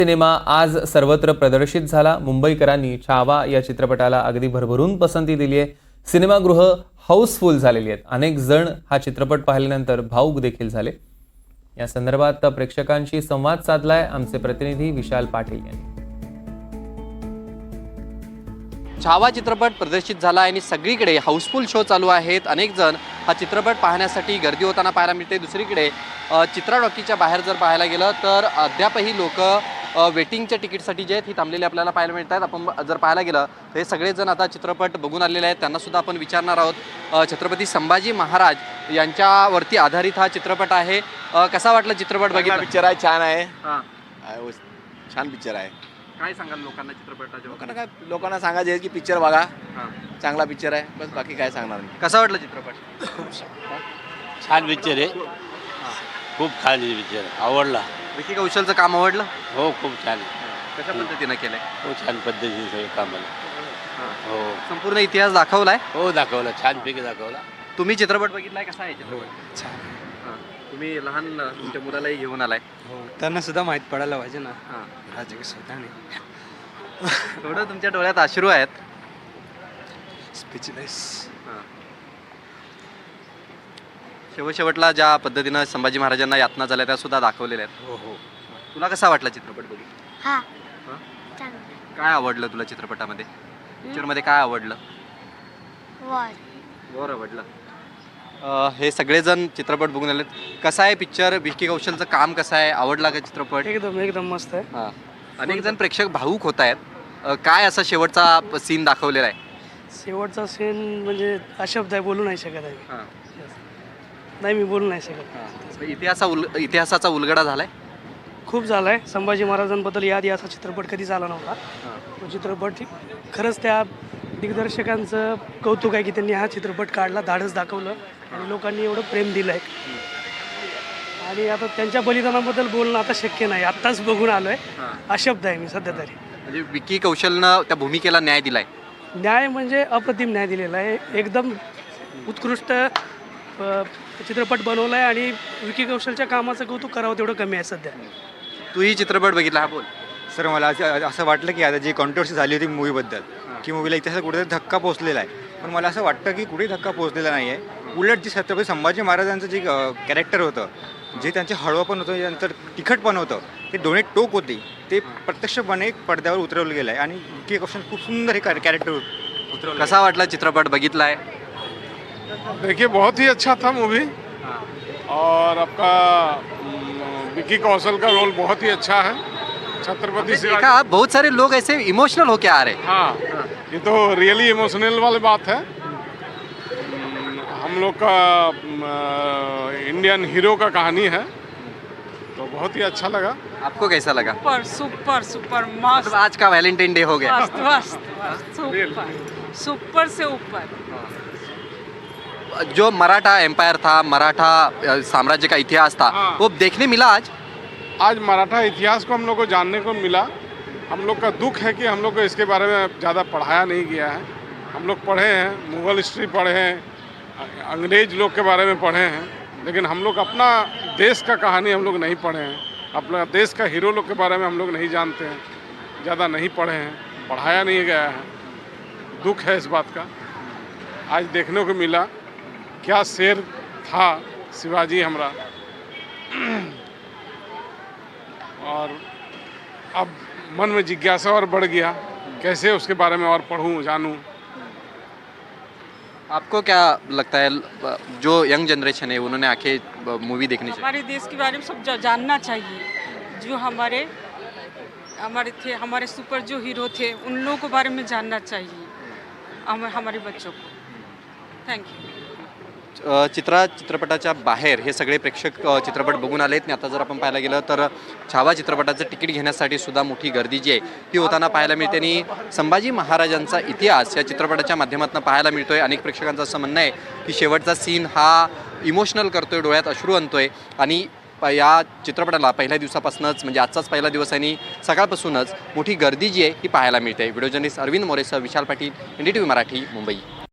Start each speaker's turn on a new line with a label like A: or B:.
A: Cinema आज सर्वत्र प्रदर्शित झाला। मुंबईकरांनी छावा या चित्रपटाला अगदी भरभरून पसंती दिली आहे। सिनेमागृह हाऊसफुल झालेली आहेत। अनेक जण हा चित्रपट पाहिल्यानंतर भावुक देखील झाले। या संदर्भात प्रेक्षकांशी संवाद साधलाय आमचे प्रतिनिधी विशाल पाटील यांनी।
B: छावा चित्रपट प्रदर्शित झाला आणि सगळीकडे हाऊसफुल शो चालू आहेत। अनेक जण हा चित्रपट पाहण्यासाठी गर्दी होताना पाहायला मिळते। दुसरीकडे चित्रा टॉकीजच्या बाहेर जर पाहायला गेलं तर अद्यापही लोक वेटिंगच्या तिकीटसाठी जे आहेत ही थांबलेली आपल्याला पाहायला मिळतात। आपण जर पाहायला गेलं तर हे सगळेजण आता चित्रपट बघून आलेले आहेत। त्यांना सुद्धा आपण विचारणार आहोत। छत्रपती संभाजी महाराज यांच्यावरती आधारित हा चित्रपट आहे। कसा वाटला चित्रपट? बघितला?
C: पिक्चर आहे, छान आहे। छान पिक्चर आहे।
B: काय सांगाल लोकांना चित्रपटाच्या?
C: लोकांना सांगायचे की पिक्चर बघा, चांगला पिक्चर आहे, बस बाकी काय सांगणार नाही।
B: कसा वाटला चित्रपट?
D: छान पिक्चर आहे, खूप छान पिक्चर आवडला।
B: विकी कौशलचं काम आवडलं?
D: हो, खूप छान।
B: कशा पद्धतीने केलंय?
D: हो, छान पद्धतीने सगळं काम आलं। हो,
B: संपूर्ण इतिहास दाखवलाय?
D: हो दाखवला, छानपैकी दाखवला।
B: तुम्ही चित्रपट बघितलाय? कसा आहे चित्रपट?
E: छान।
B: तुम्ही लहान तुमच्या मुलालाही घेऊन आलाय?
E: हो, त्यांना सुद्धा माहीत पडायला पाहिजे ना।
B: हां,
E: राजकीय स्वतःने
B: थोडं तुमच्या डोळ्यात अश्रू आहेत।
E: स्पीचलेस।
B: शेवटला ज्या पद्धतीनं संभाजी महाराजांना यातना झाल्या त्या सुद्धा दाखवलेल्या आहेत।
E: हो हो,
B: तुला कसा वाटला चित्रपट बघून?
F: हा
B: हां?
F: चांगलं
B: काय आवडलं तुला चित्रपटामध्ये? पिक्चरमध्ये काय आवडलं?
F: वर
B: आवडलं। हे सगळेजण चित्रपट बघून आलेत। कसा आहे पिक्चर? विकी कौशलचं काम कसं आहे? आवडला का चित्रपट?
E: एकदम मस्त आहे।
B: हां, अनेक जण प्रेक्षक भावूक होत आहेत। काय असा शेवटचा सीन दाखवलेला आहे?
E: शेवटचा सीन म्हणजे अशब्द आहे, बोलू नाही शकत आहे।
B: हां,
E: नाही, मी बोलू नाही शकत।
B: इतिहासाचा उलगडा झालाय?
E: खूप झालाय। संभाजी महाराजांबद्दल यादी असा चित्रपट कधी झाला नव्हता। तो चित्रपट खरंच त्या दिग्दर्शकांचं कौतुक आहे की त्यांनी हा चित्रपट काढला, धाडस दाखवलं आणि लोकांनी एवढं प्रेम दिलं आहे। आणि आता त्यांच्या बलिदानाबद्दल बोलणं आता शक्य नाही, आत्ताच बघून आलोय, अशब्द आहे मी सध्या तरी।
B: म्हणजे विकी कौशलनं त्या भूमिकेला न्याय दिलाय?
E: न्याय म्हणजे अप्रतिम न्याय दिलेला आहे। एकदम उत्कृष्ट चित्रपट बनवला आहे आणि विकी कौशलच्या कामाचं कौतुक करावं तेवढं कमी आहे सध्या।
B: तूही चित्रपट बघितला? हा, बोल।
G: सर, मला असं वाटलं की आता जी कॉन्ट्रोवर्सी झाली होती मूवीबद्दल की मूवीला इतिहासात कुठेतरी धक्का पोचलेला आहे, पण मला असं वाटतं की कुठेही धक्का पोचलेला नाही आहे। उलट जी छत्रपती संभाजी महाराजांचं जे कॅरेक्टर होतं, जे त्यांचे हळवं होतं, त्यानंतर तिखटपण होतं, ते दोन्ही टोक होती, ते प्रत्यक्षपणे पडद्यावर उतरवलं गेलं आहे आणि विकी कौशल खूप सुंदर हे कॅरेक्टर उतरवलं।
B: कसा वाटला चित्रपट? बघितलाय?
H: देखिए, बहुत ही अच्छा था मूवी और आपका विकी कौशल का रोल बहुत ही अच्छा है। छत्रपति शिवाजी।
B: देखा, बहुत सारे लोग ऐसे इमोशनल होके आ रहे हैं।
H: हाँ, ये तो रियली इमोशनल वाली बात है। हम लोग का इंडियन हीरो का कहानी है, तो बहुत ही अच्छा लगा।
B: आपको कैसा लगा?
I: सुपर सुपर सुपर मस्त।
B: मतलब आज का वैलेंटाइन डे हो गया।
I: मस्त मस्त सुपर सुपर से ऊपर।
B: जो मराठा एम्पायर था, मराठा साम्राज्य का इतिहास था,
H: हाँ।
B: वो देखने मिला आज
H: मराठा इतिहास को हम लोग को जानने को मिला। हम लोग का दुख है कि हम लोग को इसके बारे में ज़्यादा पढ़ाया नहीं गया है। हम लोग पढ़े हैं, मुग़ल हिस्ट्री पढ़े हैं, अंग्रेज लोग के बारे में पढ़े हैं, लेकिन हम लोग अपना देश का कहानी हम लोग नहीं पढ़े हैं। अपना देश का हीरो लोग के बारे में हम लोग नहीं जानते हैं, ज़्यादा नहीं पढ़े हैं, पढ़ाया नहीं गया है। दुख है इस बात का। आज देखने को मिला क्या शेर था शिवाजी हमारा। और अब मन में जिज्ञासा और बढ़ गया, कैसे उसके बारे में और पढ़ूं, जानूं।
B: आपको क्या लगता है, जो यंग जनरेशन है उन्होंने आके मूवी देखनी चाहिए?
I: हमारे देश के बारे में सब जानना चाहिए। जो हमारे सुपर जो हीरो थे उन लोगों के बारे में जानना चाहिए हमारे बच्चों को। Thank you.
B: चित्रपटाच्या बाहेर हे सगळे प्रेक्षक चित्रपट बघून आलेत आणि आता जर आपण पाहायला गेलं तर छावा चित्रपटाचं तिकीट घेण्यासाठी सुद्धा मोठी गर्दी जी आहे ती होताना पाहायला मिळते। आणि संभाजी महाराजांचा इतिहास या चित्रपटाच्या माध्यमातून पाहायला मिळतोय। अनेक प्रेक्षकांचं असं म्हणणं आहे की शेवटचा सीन हा इमोशनल करतोय, डोळ्यात अश्रू आणतोय आणि या चित्रपटाला पहिल्या दिवसापासूनच म्हणजे आजचाच पहिला दिवस आणि सकाळपासूनच मोठी गर्दी जी आहे ही पाहायला मिळते। व्हिडिओ जर्नलिस्ट अरविंद मोरेसह विशाल पाटील, NDTV मराठी, मुंबई।